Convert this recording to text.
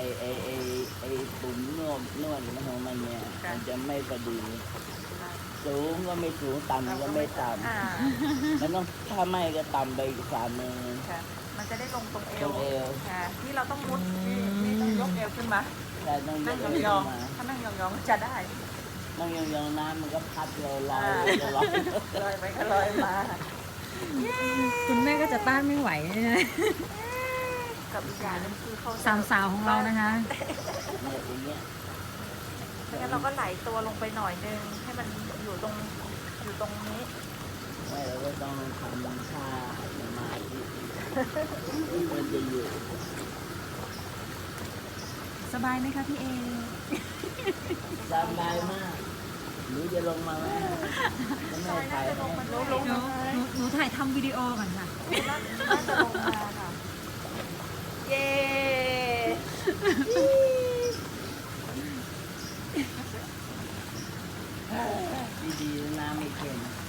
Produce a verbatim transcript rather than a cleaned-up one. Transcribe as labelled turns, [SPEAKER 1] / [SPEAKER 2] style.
[SPEAKER 1] ไอ้ไอ้ไอ้ปุ่มนวดนวดของมันเนี่ยมันจะไม่พอดีสูงก็ไม่สูงต่ำก็ไม่ต่ำมันต้องถ้าไม่ก็ต่ำไปอีกฝ่ามือ
[SPEAKER 2] มันจะได้ลงตรงเอ
[SPEAKER 1] ตร
[SPEAKER 2] ว
[SPEAKER 1] งเอว
[SPEAKER 2] ที่เราต้องมุดนี่ต้องยกเอวขึ้นมา
[SPEAKER 1] แต่ต้องย
[SPEAKER 2] นั่ง
[SPEAKER 1] กเอวย
[SPEAKER 2] อง
[SPEAKER 1] ขึ้นมา
[SPEAKER 2] ๆถ้านั่งยองๆจะได้
[SPEAKER 1] นั่งยองๆน้ำมันก็พัดเราลอยจะลอย
[SPEAKER 2] ลอยไปก็ลอยมา
[SPEAKER 3] คุณแม่ก็จะต้านไม่ไหวนะ
[SPEAKER 2] กับอีกอย่างนึงคือเขา
[SPEAKER 3] สามสาวของเรานะคะ
[SPEAKER 1] เนี่ยอย่างเงี้ย
[SPEAKER 2] ไม่งั้นเราก็ไหลตัวลงไปหน่อยนึงให้มันอยู่ตรงอยู่ตรงนี้
[SPEAKER 1] ไม่เราก็ต้องทำท่าสมาธิมันจะอยู่
[SPEAKER 3] สบายไหมคะพี่เอ
[SPEAKER 1] สบายมากหนูจะลงมาไหมจะไม่ถ่ายให้
[SPEAKER 3] หนูหนูหนูถ่ายทำวิดีโอก่อนค่ะ
[SPEAKER 2] น่าจะลงมาค่ะ เย้
[SPEAKER 1] ดีๆน้ำไม่เค็ม